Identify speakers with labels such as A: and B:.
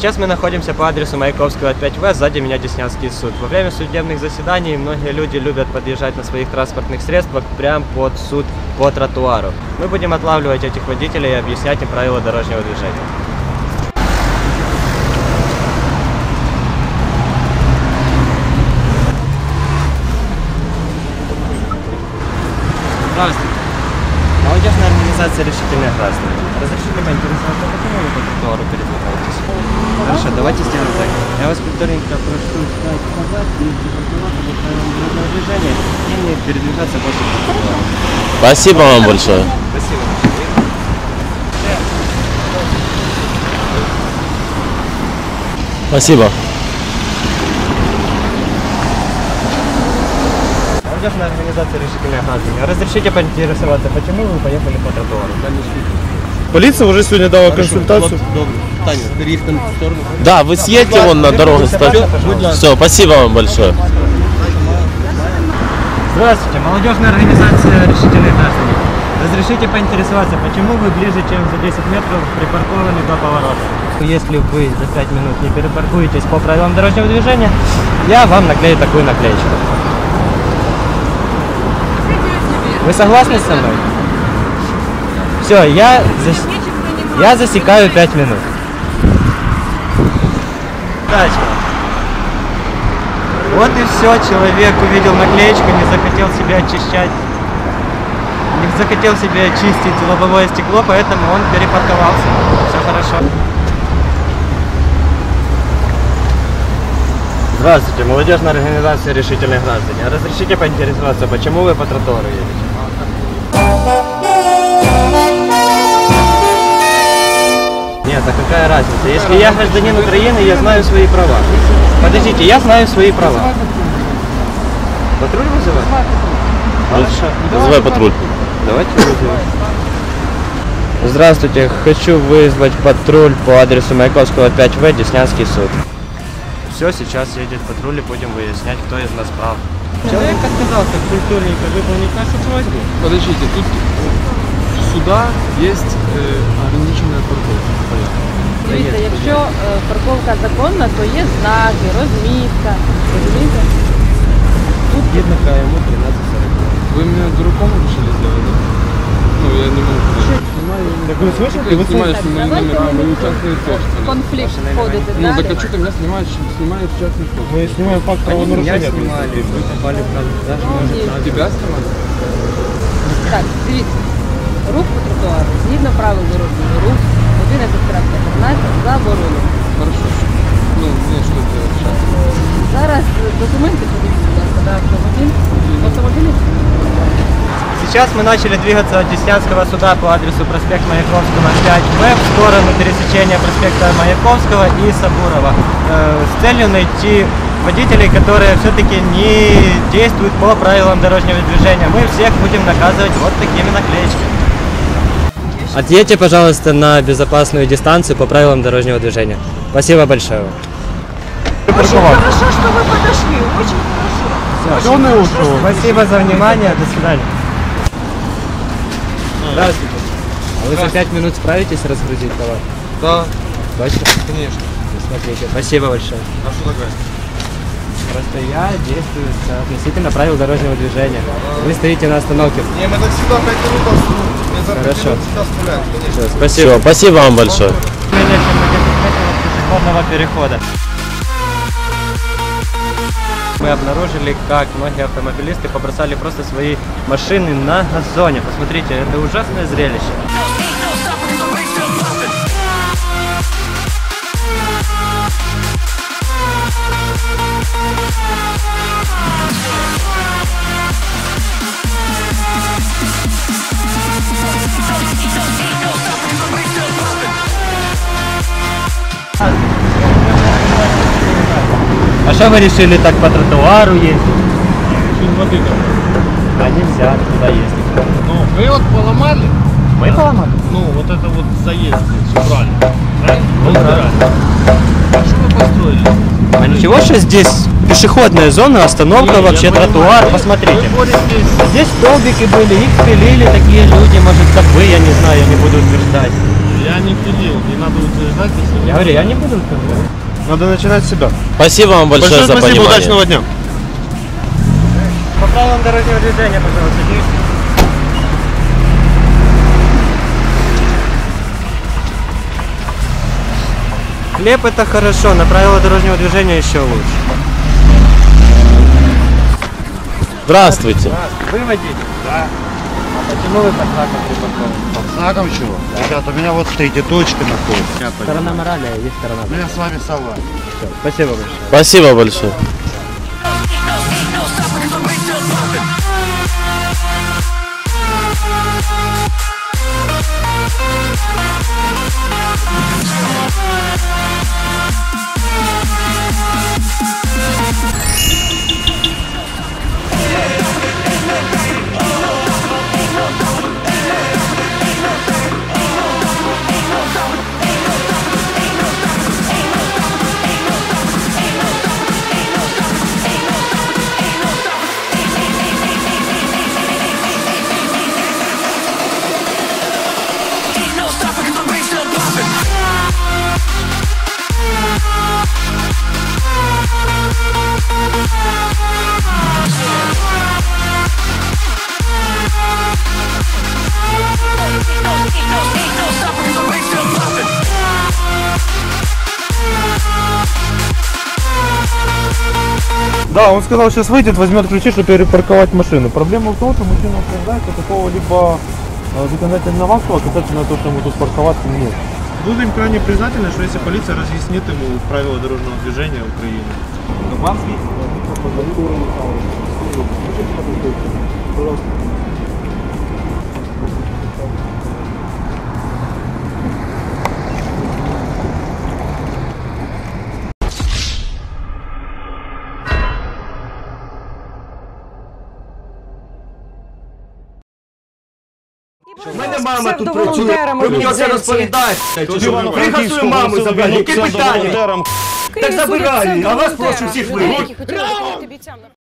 A: Сейчас мы находимся по адресу Маяковского 5В, сзади меня Деснянский суд. Во время судебных заседаний многие люди любят подъезжать на своих транспортных средствах прямо под суд по тротуару. Мы будем отлавливать этих водителей и объяснять им правила дорожного движения. Здравствуйте. Молодежная организация «Решительные граждане». Разрешите поинтересоваться, почему вы по тротуару передвигаетесь? Хорошо, давайте сделаем так. Я вас вторенько прошу встать назад и припарковаться по правилам дорожного движения и не передвигаться после тротуара.
B: Спасибо вам большое.
A: Спасибо.
B: Спасибо.
A: Молодежная организация «Решительные граждане». Разрешите поинтересоваться, почему вы поехали по тротуару?
C: Полиция уже сегодня дала консультацию.
B: Да, вы съедьте вон на дорогу. Все, спасибо вам большое.
A: Здравствуйте, молодежная организация «Решительные граждане». Разрешите поинтересоваться, почему вы ближе, чем за 10 метров припаркованы до поворота? Если вы за 5 минут не перепаркуетесь по правилам дорожного движения, я вам наклею такую наклеечку. Вы согласны со мной? Все, я засекаю 5 минут. Удачи. Вот и все, человек увидел наклеечку, не захотел себе очищать, не захотел себе очистить лобовое стекло, поэтому он перепарковался. Все хорошо. Здравствуйте, молодежная организация «Решительные граждане». Разрешите поинтересоваться, почему вы по тротуару едете? Нет, а какая разница? Если я гражданин Украины, я знаю свои права. Подождите, я знаю свои права. Патруль вызывать? Хорошо.
B: Вызывай патруль.
A: Давайте вызывать. Здравствуйте, хочу вызвать патруль по адресу Маяковского 5В, Деснянский суд. Все, сейчас едет патруль и будем выяснять, кто из нас прав. Человек отказался культурненько выполнить нашу просьбу.
C: Подождите, тут сюда есть ограниченная парковка.
D: Дивіться, якщо парковка законна, то є знаки, розмітка. Розумієте?
A: Тут видно КМУ 1340.
C: Вы меня дураком решили сделать, да? Ну, я не могу.
A: Так вы слышите?
C: Ты снимаешь мои номера, мы участвуем в том.
D: Конфлікт входити
C: Ну, так
D: далі.
C: а что ты меня снимаешь частный вход?
A: Мы снимаем факт правонарушения. Снимали, вы попали в даже может
C: Тебя снимать?
D: Так, дивіться. Рух по тротуару, згідно правил дорожнього руху, 11.15 заборонено.
C: Хорошо. Ну, мне что делать сейчас?
D: Зараз документи подивіться, будь ласка, на автомобіль. Автомобіль.
A: Сейчас мы начали двигаться от Деснянского суда по адресу проспект Маяковского 5В в сторону пересечения проспекта Маяковского и Сабурова с целью найти водителей, которые все-таки не действуют по правилам дорожного движения. Мы всех будем наказывать вот такими наклеечками. Отъедьте, пожалуйста, на безопасную дистанцию по правилам дорожного движения. Спасибо большое.
E: Очень хорошо, что вы подошли, очень хорошо.
A: Спасибо за внимание, до свидания. Здравствуйте. А вы за 5 минут справитесь разгрузить товар?
C: Да,
A: Точно?
C: конечно.
A: Смотрите, спасибо большое.
C: А что такое?
A: Просто я действую относительно правил дорожного движения. Вы стоите на остановке.
C: Не, мы так всегда 5 минут остановим.
A: Хорошо.
C: Всегда оставляем, конечно.
A: Все, спасибо.
B: Все, спасибо вам большое.
A: Менее чем на 10 метров пешеходного перехода. Мы обнаружили, как многие автомобилисты побросали просто свои машины на газоне. Посмотрите, это ужасное зрелище. А что вы решили так по тротуару ездить?
C: Чуть воды там.
A: А нельзя туда ездить.
C: Ну, вы вот поломали?
A: Мы поломали?
C: Ну, вот это вот заезд здесь убрали. Правильно?
A: Ну,
C: Убрали. А что вы построили?
A: А ничего, что здесь пешеходная зона, остановка,
C: Не,
A: вообще
C: я понимаю,
A: тротуар,
C: вы-
A: посмотрите.
C: вы боритесь.
A: Здесь столбики были, их пилили такие люди, может, как вы, я не знаю, я не буду утверждать.
C: Я Я не пилил, не надо утверждать, если...
A: Я говорю, я не буду утверждать.
E: Надо начинать с себя.
B: Спасибо вам большое за
E: спасибо,
B: понимание.
E: удачного дня.
A: По правилам дорожного движения, пожалуйста, действуйте. Хлеб это хорошо, на правила дорожного движения еще лучше.
B: Здравствуйте.
A: Вы водитель? Да. А почему вы под знаком припаркованы?
E: Под знаком чего? Ребята, у меня вот стоите точки находятся.
A: Сторона морали, а есть сторона.
E: Ну, я с вами согласен.
A: Спасибо большое.
B: Спасибо большое.
E: Да, он сказал, сейчас выйдет, возьмет ключи, чтобы перепарковать машину. Проблема в том, что мужчина утверждает, что какого-либо законодательного акта касательно того, что ему тут парковаться нет.
C: Будем крайне признательны, что если полиция разъяснит ему правила дорожного движения Украины.
E: Вам
F: У мене мама тут працює, ви мені оце розповідаєте. Приїхав свою маму забрати, яке питання? Так забирай, а вас прошу всіх вигнати.